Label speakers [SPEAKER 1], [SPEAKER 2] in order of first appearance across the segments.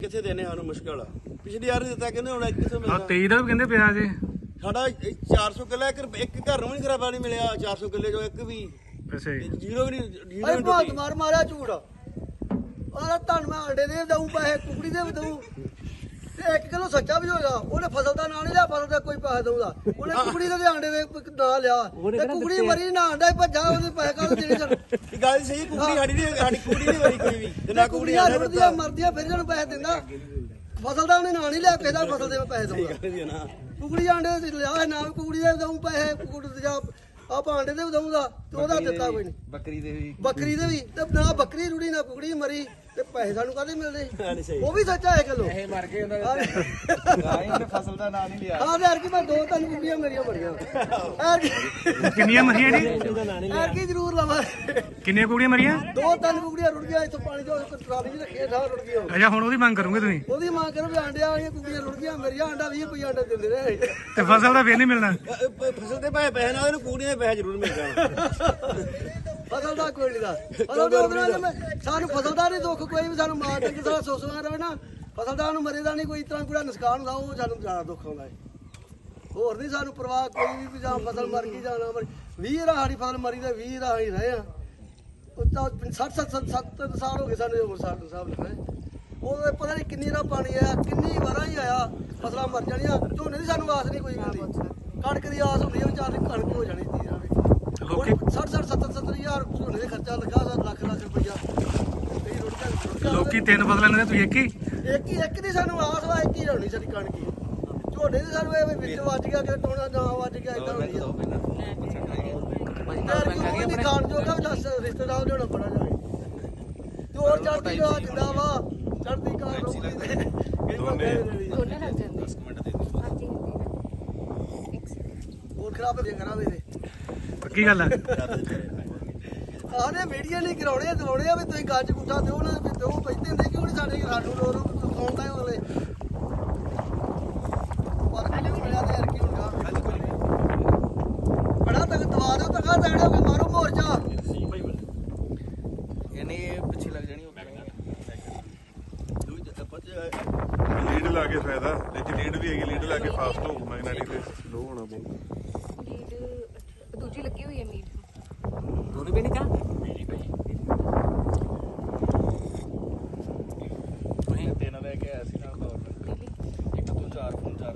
[SPEAKER 1] ਕਿੱਥੇ ਦੇਣੇ ਸਾਨੂੰ ਮੁਸ਼ਕਲ ਆ। ਪਿਛਲੀ ਵਾਰ ਦਿੱਤਾ ਕਹਿੰਦੇ ਹੁਣ ਕਿੱਥੋਂ ਮਿਲਣਾ।
[SPEAKER 2] 23 ਦਾ ਵੀ ਕਹਿੰਦੇ ਪਿਆ ਜੇ
[SPEAKER 1] ਸਾਡਾ 400 ਕਿੱਲਾ ਇੱਕ ਘਰ ਨੂੰ ਵੀ ਖਰਾਬਾ ਨਹੀਂ ਮਿਲਿਆ। 400 ਕਿੱਲੇ ਚੋਂ ਇੱਕ ਵੀ
[SPEAKER 2] ਅੱਛਾ ਜੀ
[SPEAKER 1] ਜ਼ੀਰੋ ਵੀ ਨਹੀਂ
[SPEAKER 3] ਅਰੇ ਭਾਤ ਮਾਰ ਮਾਰਿਆ ਝੂਠ ਆਹ ਧੰਨ ਮੈਂ ਅੰਡੇ ਦੇ ਦਊ ਪੈਸੇ ਕੁਕੜੀ ਦੇ ਵੀ ਦਊ ਤੇ 1 ਕਿਲੋ ਸੱਚਾ ਵੀ ਹੋਗਾ। ਉਹਨੇ ਫਸਲ ਦਾ ਨਾਂ ਨਹੀਂ ਲਿਆ, ਫਸਲ ਦਾ ਕੋਈ ਪੈਸੇ ਦਊਗਾ। ਉਹਨੇ ਕੁਕੜੀ ਦੇ ਅੰਡੇ ਦੇ ਨਾਂ ਲਿਆ ਤੇ ਕੁਕੜੀ ਮਰੀ ਨਾ ਅੰਡਾ ਹੀ ਭੱਜਾ, ਉਹਦੇ ਪੈਸੇ ਕਾਹਦੇ ਦੇਣੇ ਸਨ।
[SPEAKER 1] ਇਹ ਗੱਲ ਸਹੀ। ਕੁਕੜੀ ਸਾਡੀ ਕੁਕੜੀ ਨਹੀਂ ਮਰੀ ਕੋਈ ਵੀ ਤੇ ਨਾ ਕੁਕੜੀ
[SPEAKER 3] ਰੁੜਦੀਆਂ ਮਰਦੀਆਂ ਫਿਰ ਇਹਨੂੰ ਪੈਸੇ ਦਿੰਦਾ। ਫਸਲ ਦਾ ਉਹਨੇ ਨਾਂ ਨਹੀਂ ਲਿਆ, ਕਿਸੇ ਦਾ ਫਸਲ ਦੇ ਮੈਂ ਪੈਸੇ ਦਊਗਾ। ਕੁਕੜੀ ਆਂਡੇ ਦੇ ਲਿਆ ਨਾ ਕੁਕੜੀ ਦੇ ਦਊ ਪੈਸੇ, ਕੁਕੜੀ ਦੇ ਜਾ ਆਪਾਂ ਆਂਡੇ ਦੇ ਵੀ ਦਊਗਾ ਤੇ ਉਹਦਾ ਦਿੱਤਾ ਕੋਈ ਨਹੀਂ।
[SPEAKER 1] ਬੱਕਰੀ ਦੇ
[SPEAKER 3] ਵੀ ਤੇ ਨਾ ਬੱਕਰੀ ਰੁੜੀ ਨਾ ਕੁਕੜੀ ਮਰੀ ਤੇ ਪੈਸੇ ਸਾਨੂੰ ਕਾਹਦੇ ਮਿਲਦੇ। ਉਹ ਵੀ ਸੱਚਾ ਹੈ ਕਿਲੋ
[SPEAKER 1] ਇਹ ਮਰ ਗਏ ਉਹਨਾਂ ਦੇ ਗਾਇ ਉਹਨੇ ਫਸਲ ਦਾ ਨਾਂ ਨਹੀਂ ਲਿਆ।
[SPEAKER 3] ਹਾਂ ਯਾਰ ਕਿ ਮੈਂ 2-3 ਕੁਕੜੀਆਂ ਮੇਰੀਆਂ ਮਰੀਆਂ
[SPEAKER 2] ਕਿੰਨੀਆਂ ਮਰੀਆਂ ਜੀ?
[SPEAKER 3] ਯਾਰ ਕੀ ਜ਼ਰੂਰ ਲਵਾਂ।
[SPEAKER 2] ਕਿੰਨੀਆਂ ਕੁੜੀਆਂ ਮਰੀਆਂ?
[SPEAKER 3] 2-3 ਕੁਕੜੀਆਂ ਰੁੜ ਗਈਆਂ ਇੱਥੋਂ ਪਾਣੀ ਚੋਂ ਟਰਾਲੀ 'ਚ ਰੱਖੀਆਂ ਠਾ ਰੁੜ ਗਈਆਂ।
[SPEAKER 2] ਅੱਛਾ ਹੁਣ ਉਹਦੀ ਮੰਗ ਕਰੋਗੇ ਤੁਸੀਂ?
[SPEAKER 3] ਉਹਦੀ ਮਾਂ ਕਰੋ ਵੀ ਆਂਡਿਆਂ ਵਾਲੀਆਂ ਕੁਕੜੀਆਂ ਰੁੜ ਗਈਆਂ ਮੇਰੀਆਂ। ਆਂਡਾ 20 ਰੁਪਏ ਆਂਡਾ ਦਿੰਦੇ ਰਹੇ
[SPEAKER 2] ਤੇ ਫਸਲ ਦਾ ਫੇਰ ਨਹੀਂ ਮਿਲਣਾ?
[SPEAKER 1] ਫਸਲ ਦੇ ਪੈਸੇ ਨਾਲ ਇਹਨੂੰ ਕੁਕੜੀਆਂ ਦੇ ਪੈਸੇ ਜ਼ਰੂਰ ਮਿਲ ਜਾਣ।
[SPEAKER 3] ਫਸਲ ਦਾ ਕੋਈ ਨਹੀਂ ਦਾ ਫਸਲ ਦਾ ਉਹਦੇ ਨਾਲ ਸਾਨੂੰ ਫਸਲ ਦਾ ਨਹੀਂ ਦੁੱਖ ਕੋਈ ਵੀ। ਸਾਨੂੰ ਮਾਰ ਕੇ ਸਾਰਾ ਸੋਸਵਾ ਰਵੇ ਨਾ ਫਸਲ ਦਾ ਨੂੰ ਮਰੇ ਦਾ ਨਹੀਂ ਕੋਈ ਤਰ੍ਹਾਂ ਪੂਰਾ ਨੁਕਸਾਨ ਹੁੰਦਾ, ਉਹ ਸਾਨੂੰ ਜ਼ਿਆਦਾ ਦੁੱਖ ਆਉਂਦਾ ਹੈ। ਹੋਰ ਨਹੀਂ ਸਾਨੂੰ ਪਰਵਾਹ ਕੋਈ ਵੀ ਜਾਂ ਫਸਲ ਮਰ ਗਈ ਜਾਂ ਨਾ ਮਰ 20 ਰਾ ਸਾਡੀ ਫਸਲ ਮਰੀ ਤੇ 20 ਰਾ ਹੀ ਰਹੇ ਆ। ਉਹ ਤਾਂ 60-70 ਸਾਲ ਹੋ ਗਏ ਸਾਨੂੰ ਉਮਰ ਸਾਹਿਬ ਲੱਗਾ। ਉਹ ਪਤਾ ਨਹੀਂ ਕਿੰਨੀ ਰਾ ਪਾਣੀ ਆਇਆ, ਕਿੰਨੀ ਵਾਰਾਂ ਹੀ ਆਇਆ, ਫਸਲਾਂ ਮਰ ਜਾਣੀਆਂ। ਝੋਨੇ ਦੀ ਸਾਨੂੰ ਆਸ ਨਹੀਂ ਕੋਈ ਹੁੰਦੀ, ਕਣਕ ਦੀ ਆਸ ਹੁੰਦੀ ਹੈ ਵਿਚਾਰ ਦੀ ਕਣਕ ਹੋ ਜਾਣੀ ਤੀ ਜਾਵੇ। 60-70 ਹਜ਼ਾਰ ਝੋਨੇ ਦੇ ਖਰਚਾ ਲੱਗਾ, ਲੱਖ ਰੁਪਈਆ।
[SPEAKER 2] ਲੋਕੀ 3 ਫਸਲਾਂ ਲੈਂਦੇ, ਤੁਸੀਂ
[SPEAKER 3] ਇੱਕ ਦੀ ਸਾਨੂੰ ਆਸ ਵਾ, ਇੱਕ ਹੀ ਹੋਣੀ ਸਾਡੀ ਕਣਕ ਹੀ। ਝੋਨੇ ਦੀ ਸਾਨੂੰ ਇਹ ਵਿੱਚ ਵੱਜ ਗਿਆ ਕਿ ਟੋਣਾ ਨਾ ਵੱਜ ਗਿਆ ਇਦਾਂ ਹੋਣੀ ਆ। ਖਾਣ ਜੋਗਾ ਵੀ ਦੱਸ ਰਿਸ਼ਤੇਦਾਰ ਲਿਆਉਣਾ ਬੜਾ ਜਾਵੇ ਤੇ ਹੋਰ ਚੜ੍ਹਦੀ ਕਲਾ ਜਿੰਦਾ ਵਾ ਚੜ੍ਹਦੀ ਕਲਾ ਹੋਰ ਖਰਾਬ ਦੇ ਕਰਾਂਗੇ ਇਹਦੇ।
[SPEAKER 2] ਪੱਕੀ ਗੱਲ ਹੈ।
[SPEAKER 3] ਆਹਨੇ ਮੀਡੀਆ ਨਹੀਂ ਕਰਾਉਣੇ ਦਵਾਉਣੇ ਆ ਵੀ ਤੁਸੀਂ ਗੱਜ ਗੁੱਠਾ ਦਿਓ ਨਾ ਵੀ ਦਿਓ ਪੈਂਦੇ ਹੁੰਦੇ ਕਿਉਂ ਨਹੀਂ ਸਾਡੇ ਸਾਨੂੰ ਲੋਰ ਆਉਂਦਾ ਹੀ ਉਹਲੇ ਪਰ ਕਿਹਨੇ ਮਿਲਿਆ ਤੇ ਯਾਰ ਕੀ ਹੁੰਦਾ ਬੜਾ ਤੱਕ ਦਵਾ ਦਿਓ ਤੱਕਾ ਦੇਣੋ ਕਿ ਮਾਰੋ ਮੋਰਚਾ
[SPEAKER 1] ਇਹਨੇ ਪਿੱਛੇ ਲੱਗ ਜਾਣੀ।
[SPEAKER 4] ਲੀਡ ਲਾ ਕੇ ਫਾਇਦਾ ਲੇਕਿਨ ਲੀਡ ਵੀ ਹੈਗੀ, ਲੀਡ ਲਾ ਕੇ ਫਾਸਟ ਹੋ ਮੈਗਨੈਟਿਕ ਤੇ ਸਲੋ ਹੋਣਾ ਬਹੁਤ।
[SPEAKER 5] ਲੀਡ ਦੂਜੀ ਲੱਗੀ ਹੋਈ ਹੈ ਲੀਡ
[SPEAKER 1] ਦੋਨੇ ਵੀ ਨਹੀਂ ਕਾ ਤੁਸੀਂ ਤਿੰਨ ਲੈ ਕੇ ਆਇਆ ਸੀ ਨਾਲ ਦੌੜ ਇੱਕ ਤੋਂ 4 ਫੋਨ 4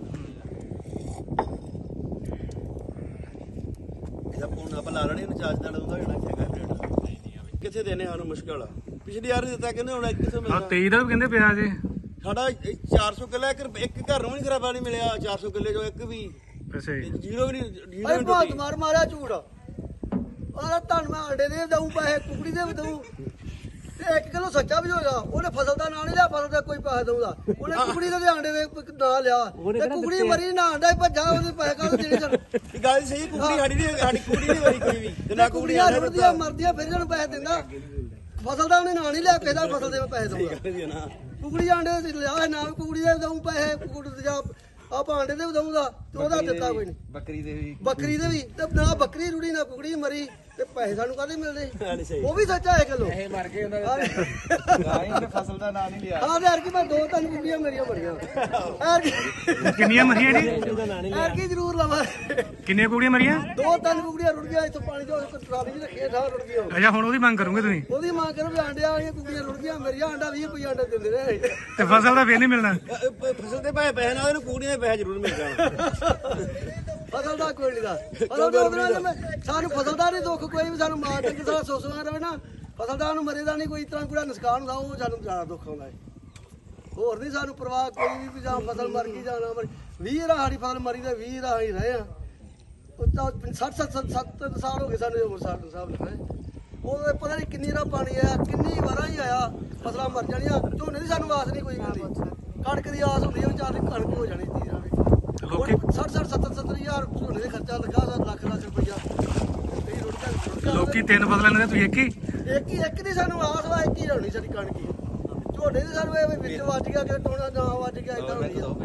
[SPEAKER 1] ਇਹਦਾ ਫੋਨ ਆਪਾਂ ਲਾ ਲੈਣੇ ਚਾਰਜ ਨਾਲ ਉਹਦਾ ਜਿਹੜਾ ਹੈਗਾ ਕਿੱਥੇ ਦੇਣੇ ਸਾਨੂੰ ਮੁਸ਼ਕਲ ਆ। ਪਿਛਲੀ ਵਾਰ ਦਿੱਤਾ ਕਹਿੰਦੇ ਹੁਣ ਕਿੱਥੋਂ ਮਿਲਣਾ।
[SPEAKER 2] 23 ਦਾ ਵੀ ਕਹਿੰਦੇ ਪਿਆ ਜੇ
[SPEAKER 1] ਸਾਡਾ 400 ਕਿੱਲਾ ਇੱਕ ਘਰ ਨੂੰ ਵੀ ਖਰਾਬਾ ਨਹੀਂ ਮਿਲਿਆ। 400 ਕਿੱਲੇ ਚੋਂ ਇੱਕ ਵੀ
[SPEAKER 2] ਅੱਛਾ ਜੀ
[SPEAKER 1] ਜ਼ੀਰੋ ਵੀ ਨਹੀਂ
[SPEAKER 3] ਅਰੇ ਭਾਤ ਮਾਰ ਮਾਰਿਆ ਝੂਠ ਆਹ ਧੰਨ ਮੈਂ ਅੰਡੇ ਦੇ ਦਊ ਪੈਸੇ ਕੁਕੜੀ ਦੇ ਵੀ ਦਊ ਤੇ 1 ਕਿਲੋ ਸੱਚਾ ਵੀ ਹੋਗਾ। ਉਹਨੇ ਫਸਲ ਦਾ ਨਾਂ ਨਹੀਂ ਲਿਆ, ਫਸਲ ਦਾ ਕੋਈ ਪੈਸੇ ਦਊਗਾ। ਉਹਨੇ ਕੁਕੜੀ ਦੇ ਅੰਡੇ ਦੇ ਨਾਂ ਲਿਆ ਤੇ ਕੁਕੜੀ ਮਰੀ ਨਾ ਅੰਡਾ ਹੀ ਭੱਜਾ, ਉਹਦੇ ਪੈਸੇ ਕਾਹਦੇ ਦੇਣੇ ਸਨ।
[SPEAKER 1] ਇਹ ਗੱਲ ਸਹੀ। ਕੁਕੜੀ ਸਾਡੀ ਕੁਕੜੀ ਨਹੀਂ ਮਰੀ ਕੋਈ ਵੀ ਤੇ ਨਾ ਕੁਕੜੀ
[SPEAKER 3] ਰੁੜਦੀਆਂ ਮਰਦੀਆਂ ਫਿਰ ਇਹਨੂੰ ਪੈਸੇ ਦਿੰਦਾ। ਫਸਲ ਦਾ ਉਹਨੇ ਨਾਂ ਨਹੀਂ ਲਿਆ, ਕਿਸੇ ਦਾ ਫਸਲ ਦੇ ਮੈਂ ਪੈਸੇ ਦਊਗਾ। ਕੁਕੜੀ ਆਂਡੇ ਦੇ ਲਿਆ ਨਾ ਕੁਕੜੀ ਦੇ ਦਊ ਪੈਸੇ, ਕੁਕੜੀ ਦੇ ਜਾ ਆਪਾਂ ਆਂਡੇ ਦੇ ਵੀ ਦਊਗਾ ਤੇ ਉਹਦਾ ਦਿੱਤਾ ਕੋਈ ਨਹੀਂ। ਬੱਕਰੀ ਦੇ ਵੀ ਤੇ ਨਾ ਬੱਕਰੀ ਰੁੜੀ ਨਾ ਕੁਕੜੀ ਮਰੀ ਤੇ ਪੈਸੇ ਸਾਨੂੰ ਕਾਹਦੇ ਮਿਲਦੇ। ਉਹ ਵੀ ਸੱਚਾ ਹੈ ਕਿਲੋ ਇਹ ਮਰ ਗਏ ਉਹਨਾਂ ਦੇ ਗਾਇ ਉਹਨੇ ਫਸਲ ਦਾ ਨਾਂ ਨਹੀਂ ਲਿਆ। ਹਾਂ ਯਾਰ ਕਿ ਮੈਂ 2-3 ਕੁਕੜੀਆਂ ਮੇਰੀਆਂ ਮਰੀਆਂ।
[SPEAKER 2] ਕਿੰਨੀਆਂ ਮਰੀਆਂ ਜੀ?
[SPEAKER 3] ਯਾਰ ਕੀ ਜ਼ਰੂਰ ਲਵਾਂ।
[SPEAKER 2] ਕਿੰਨੀਆਂ ਕੁੜੀਆਂ ਮਰੀਆਂ?
[SPEAKER 3] 2-3 ਕੁਕੜੀਆਂ ਰੁੜ ਗਈਆਂ ਇੱਥੋਂ ਪਾਣੀ ਚੋਂ ਟਰਾਲੀ 'ਚ ਰੱਖੀਆਂ ਠਾ ਰੁੜ ਗਈਆਂ।
[SPEAKER 2] ਅੱਛਾ ਹੁਣ ਉਹਦੀ ਮੰਗ ਕਰੋਗੇ ਤੁਸੀਂ?
[SPEAKER 3] ਉਹਦੀ ਮਾਂ ਕਰੋ ਵੀ ਆਂਡਿਆਂ ਵਾਲੀਆਂ ਕੁਕੜੀਆਂ ਰੁੜ ਗਈਆਂ ਮੇਰੀਆਂ। ਆਂਡਾ 20 ਰੁਪਏ ਆਂਡਾ ਦਿੰਦੇ ਰਹੇ
[SPEAKER 2] ਤੇ ਫਸਲ ਦਾ ਫੇਰ ਨਹੀਂ ਮਿਲਣਾ?
[SPEAKER 1] ਫਸਲ ਦੇ ਪੈਸੇ ਨਾਲ ਇਹਨੂੰ ਕੁਕੜੀਆਂ ਦੇ ਪੈਸੇ ਜ਼ਰੂਰ ਮਿਲ ਜਾਣ।
[SPEAKER 3] ਫਸਲ ਦਾ ਕੋਈ ਨਹੀਂ ਦਾ ਫਸਲ ਦਾ ਉਹਦੇ ਨਾਲ ਸਾਨੂੰ ਫਸਲ ਦਾ ਨਹੀਂ ਦੁੱਖ ਕੋਈ ਵੀ। ਸਾਨੂੰ ਮਾਰ ਕੇ ਸਾਰਾ ਸੋਸਵਾ ਰਵੇ ਨਾ ਫਸਲ ਦਾ ਨੂੰ ਮਰੇ ਦਾ ਨਹੀਂ ਕੋਈ ਤਰ੍ਹਾਂ ਪੂਰਾ ਨੁਕਸਾਨ ਹੁੰਦਾ, ਉਹ ਸਾਨੂੰ ਜ਼ਿਆਦਾ ਦੁੱਖ ਆਉਂਦਾ ਹੈ। ਹੋਰ ਨਹੀਂ ਸਾਨੂੰ ਪਰਵਾਹ ਕੋਈ ਵੀ ਜਾਂ ਫਸਲ ਮਰ ਗਈ ਜਾਂ ਨਾ ਮਰ 20 ਰਾ ਸਾਡੀ ਫਸਲ ਮਰੀ ਤੇ 20 ਰਾ ਹੀ ਰਹੇ ਆ। ਉਹ ਤਾਂ 60-70 ਸਾਲ ਹੋ ਗਏ ਸਾਨੂੰ ਉਮਰ ਸਾਹਿਬ ਲੱਗਾ। ਉਹ ਪਤਾ ਨਹੀਂ ਕਿੰਨੀ ਰਾ ਪਾਣੀ ਆਇਆ, ਕਿੰਨੀ ਵਾਰਾਂ ਹੀ ਆਇਆ, ਫਸਲਾਂ ਮਰ ਜਾਣੀਆਂ। ਝੋਨੇ ਦੀ ਸਾਨੂੰ ਆਸ ਨਹੀਂ ਕੋਈ ਹੁੰਦੀ, ਕਣਕ ਦੀ ਆਸ ਹੁੰਦੀ ਹੈ ਵਿਚਾਰ ਦੀ ਕਣਕ ਹੋ ਜਾਣੀ ਤੀ ਜਾਵੇ। 60-70 ਹਜ਼ਾਰ ਝੋਨੇ ਦੇ ਖਰਚਾ ਲੱਗਾ, ਲੱਖ ਰੁਪਈਆ।
[SPEAKER 2] ਲੋਕੀ 3 ਫਸਲਾਂ ਲੈਂਦੇ, ਤੁਸੀਂ
[SPEAKER 3] ਇੱਕ ਦੀ ਸਾਨੂੰ ਆਸ ਵਾ, ਇੱਕ ਹੀ ਹੋਣੀ ਸਾਡੀ ਕਣਕ ਹੀ। ਝੋਨੇ ਦੀ ਸਾਨੂੰ ਇਹ ਵਿੱਚ ਵੱਜ ਗਿਆ ਕਿ ਟੋਣਾ ਨਾ ਵੱਜ ਗਿਆ ਇਦਾਂ ਹੋਣੀ ਆ।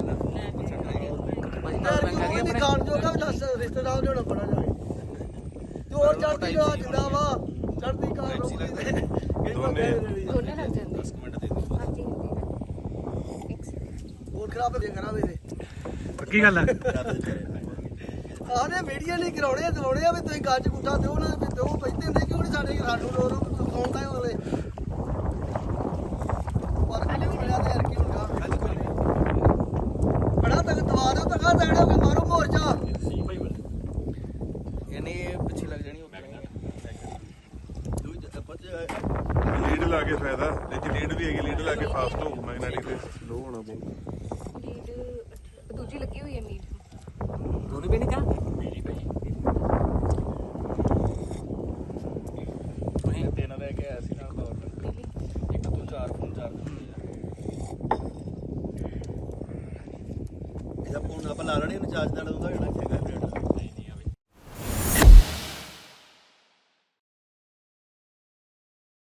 [SPEAKER 3] ਖਾਣ ਜੋਗਾ ਵੀ ਦੱਸ ਰਿਸ਼ਤੇਦਾਰ ਲਿਆਉਣਾ ਬੜਾ ਜਾਵੇ ਤੇ ਹੋਰ ਚੜ੍ਹਦੀ ਕਲਾ ਜਿੰਦਾ ਵਾ ਚੜ੍ਹਦੀ ਕਲਾ
[SPEAKER 5] ਦੋਨੇ ਲੱਗ ਜਾਂਦੇ।
[SPEAKER 1] 10 ਮਿੰਟ ਦੇ ਦਿਓ।
[SPEAKER 5] ਹਾਂਜੀ
[SPEAKER 3] ਹੋਰ ਖਰਾਬ ਦੇ ਕਰਾਂਗੇ ਤੇ
[SPEAKER 2] ਪੱਕੀ ਗੱਲ ਆ
[SPEAKER 3] ਆਹਨੇ ਮੀਡੀਆ ਨਹੀਂ ਕਰਾਉਣੇ ਦਿਵਾਉਣੇ ਆ ਵੀ ਤੁਸੀਂ ਗੱਜ ਗੁੱਠਾ ਦਿਓ ਨਾ ਵੀ ਦਿਓ ਪੈਂਦੇ ਹੁੰਦੇ ਕਿਉਂ ਨਹੀਂ ਸਾਡੇ ਸਾਨੂੰ ਲੋਰ ਦਿਖਾਉਂਦਾ ਅਗਲੇ ਪਰ ਮਿਲਿਆ ਤੇ ਯਾਰ ਕੀ ਹੁੰਦਾ ਬੜਾ ਤੱਕ ਦਵਾ ਦਿਓ ਤੱਕਾ ਦੇਣੇ ਹੋਗੇ ਮਾਰੋ ਮੋਰਚਾ
[SPEAKER 4] ਲੀਡ ਲਾ ਕੇ ਫਾਇਦਾ ਲੇਕਿਨ ਲੀਡ ਵੀ ਹੈਗੀ ਲੀਡ ਲਾ ਕੇ ਫਾਸਟ ਹੋ ਮੈਗਨੈਟਿਕ ਤੇ ਸਲੋ ਹੋਣਾ ਬਹੁਤ
[SPEAKER 5] ਲੀਡ ਦੂਜੀ ਲੱਗੀ ਹੋਈ ਹੈ ਮੀਟ
[SPEAKER 6] ਦੋਨੇ ਵੀ ਨਹੀਂ ਕਾ
[SPEAKER 1] ਤਿੰਨ ਲੈ ਕੇ ਆਇਆ ਸੀ ਨਾਲ ਪਾਵਰ ਇੱਕ ਤੋਂ 4 ਫੋਨ 4 ਇਹਦਾ ਫੋਨ ਆਪਾਂ ਲਾ ਲੈਣੇ ਚਾਰਜ ਨਾਲ ਉਹਦਾ ਜਿਹੜਾ